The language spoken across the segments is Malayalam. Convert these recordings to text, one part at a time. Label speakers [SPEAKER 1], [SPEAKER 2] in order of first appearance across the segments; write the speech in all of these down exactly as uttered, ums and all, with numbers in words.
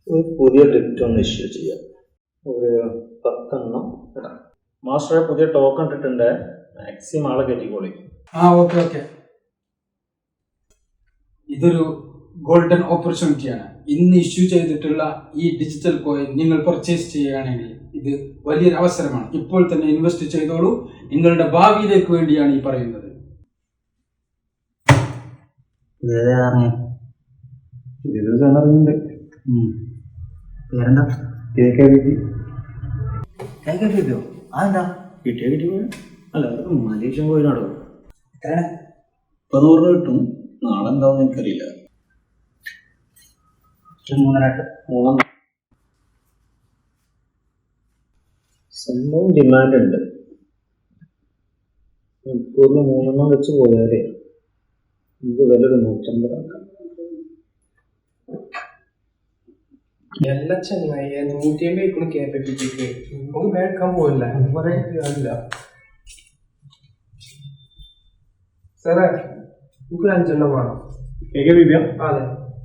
[SPEAKER 1] ഒരു പുതിയ ഡിക്റ്റ് ഒന്ന് ഇഷ്യൂ ചെയ്യാം. ഒരു പത്തെണ്ണം ഇടാം. മാസ്റ്ററെ പുതിയ ടോക്കൺ ഇട്ടിട്ടുണ്ട്, മാക്സിമം ആളെ കയറ്റിക്കോളി.
[SPEAKER 2] ആ ഓക്കെ ഓക്കെ. ഇതൊരു ഗോൾഡൻ ഓപ്പർച്യൂണിറ്റിയാണ്. ഇന്ന് ഇഷ്യൂ ചെയ്തിട്ടുള്ള ഈ ഡിജിറ്റൽ കോയിൻ നിങ്ങൾ പർച്ചേസ് ചെയ്യുകയാണെങ്കിൽ ഇത് വലിയൊരു അവസരമാണ്. ഇപ്പോൾ തന്നെ ഇൻവെസ്റ്റ് ചെയ്തോളൂ. നിങ്ങളുടെ ഭാവിയിലേക്ക് വേണ്ടിയാണ് ഈ പറയുന്നത്.
[SPEAKER 3] പേരെന്താ? അതെന്താ
[SPEAKER 1] കിട്ടിയ കിട്ടി അല്ല, മലേഷ്യ പോയിനാടോ.
[SPEAKER 3] എത്രയാണ്?
[SPEAKER 1] ഇപ്പൊ നൂറ് രൂപ കിട്ടും. നാളെ എന്താവും എനിക്കറിയില്ല.
[SPEAKER 3] മൂന്നര
[SPEAKER 1] മൂന്നെണ്ണം സംഭവം ഡിമാൻഡ് ഉണ്ട്. മണിക്കൂറിൽ മൂന്നെണ്ണം വെച്ച് പോയാലേ നമുക്ക് വിലൊരു നൂറ്റമ്പതാക്കാം.
[SPEAKER 4] എല്ലാ ചെങ്ങായി നൂറ്റി അമ്പത് കേപ്പിക്ക് നമുക്ക് മേടിക്കാൻ പോകില്ല. പറയില്ല സാറേ, നമുക്ക് അഞ്ചെണ്ണം വേണം. അതെ,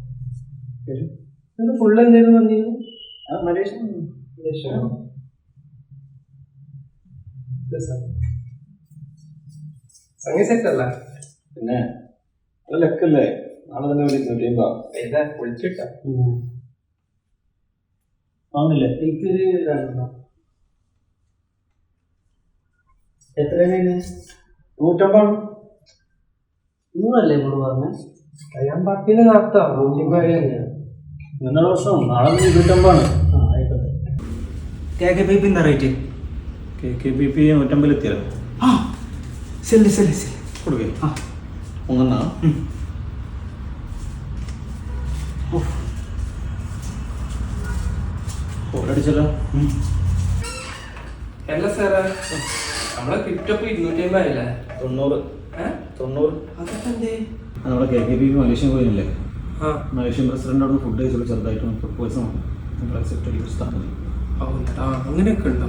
[SPEAKER 4] ഫുള്ള് എന്തേലും വന്നിരുന്നു. മലേഷ്യ സംഗീത സെറ്റ് അല്ല
[SPEAKER 1] പിന്നെ അത് ലെക്കല്ലേ. നാളെ തന്നെ നൂറ്റി അമ്പത്
[SPEAKER 4] ഏതാ പൊളിച്ചിട്ടാ
[SPEAKER 1] വാങ്ങില്ലേ?
[SPEAKER 4] എനിക്കൊരു രണ്ടെണ്ണം. എത്രയാണ്?
[SPEAKER 1] നൂറ്റമ്പതാണ്.
[SPEAKER 4] നൂറല്ലേ ഇങ്ങോട്ട് പറഞ്ഞേ? ഞാൻ പത്തിന് നടത്താം. നൂറ്റിമ്പത് തന്നെയാണ്.
[SPEAKER 1] നിങ്ങളുടെ പ്രശ്നം. നാളെ ഇരുന്നൂറ്റമ്പാണ്.
[SPEAKER 4] ആ ആയിക്കോട്ടെ.
[SPEAKER 3] കെ കെ പി പി എന്താ rate?
[SPEAKER 1] K K P P നൂറ്റമ്പതിൽ എത്തിയാലോ?
[SPEAKER 3] ആ ശരി ശരി ശരി
[SPEAKER 1] കൊടുക്കേ.
[SPEAKER 3] ആ
[SPEAKER 1] മൂന്നെണ്ണ അടിച്ചല്ലോ.
[SPEAKER 4] അല്ല സാറേ, നമ്മളെ കിറ്റപ്പ് ഇരുന്നൂറ്റി അമ്പത് അല്ലേ?
[SPEAKER 1] തൊണ്ണൂറ് തൊണ്ണൂറ്
[SPEAKER 4] അതൊക്കെ എന്തേ?
[SPEAKER 1] നമ്മുടെ K K P P Malaysian പോയില്ലേ?
[SPEAKER 4] ആ
[SPEAKER 1] മലേഷ്യൻ പ്രസിഡന്റ് അവിടെ ഫുഡ് കഴിച്ചപ്പോൾ ചെറുതായിട്ട് പ്രപ്പോസൽ നിങ്ങൾ അക്സെപ്റ്റ് ചെയ്ത് സ്ഥാനം.
[SPEAKER 4] ആ അങ്ങനെയൊക്കെ ഉണ്ടോ?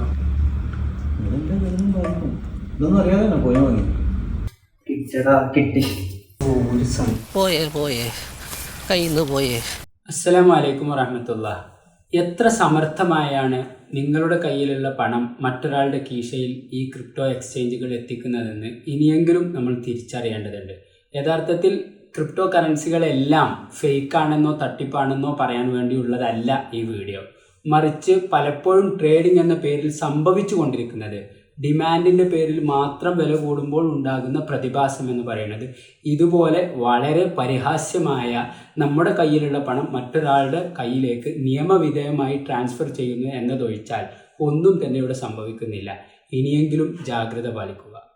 [SPEAKER 1] ഇതൊന്നും അറിയാതെ തന്നെ പോയാൽ മതി.
[SPEAKER 3] കിട്ടടാ കിട്ടി.
[SPEAKER 5] പോയേ പോയേ കയ്യിൽ നിന്ന് പോയേ.
[SPEAKER 2] അസ്സലാമു അലൈക്കും വറഹ്മത്തുള്ളാഹി. എത്ര സമർത്ഥമായാണ് നിങ്ങളുടെ കയ്യിലുള്ള പണം മറ്റൊരാളുടെ കീശയിൽ ഈ ക്രിപ്റ്റോ എക്സ്ചേഞ്ചുകൾ എത്തിക്കുന്നതെന്ന് ഇനിയെങ്കിലും നമ്മൾ തിരിച്ചറിയേണ്ടതുണ്ട്. യഥാർത്ഥത്തിൽ ക്രിപ്റ്റോ കറൻസികളെല്ലാം ഫേക്കാണെന്നോ തട്ടിപ്പാണെന്നോ പറയാൻ വേണ്ടിയുള്ളതല്ല ഈ വീഡിയോ. മറിച്ച് പലപ്പോഴും ട്രേഡിംഗ് എന്ന പേരിൽ സംഭവിച്ചു കൊണ്ടിരിക്കുന്നത് ഡിമാൻഡിൻ്റെ പേരിൽ മാത്രം വില കൂടുമ്പോൾ ഉണ്ടാകുന്ന പ്രതിഭാസം എന്ന് പറയുന്നത് ഇതുപോലെ വളരെ പരിഹാസ്യമായ നമ്മുടെ കയ്യിലുള്ള പണം മറ്റൊരാളുടെ കയ്യിലേക്ക് നിയമവിധേയമായി ട്രാൻസ്ഫർ ചെയ്യുന്നു എന്നതൊഴിച്ചാൽ ഒന്നും തന്നെ ഇവിടെ സംഭവിക്കുന്നില്ല. ഇനിയെങ്കിലും ജാഗ്രത പാലിക്കുക.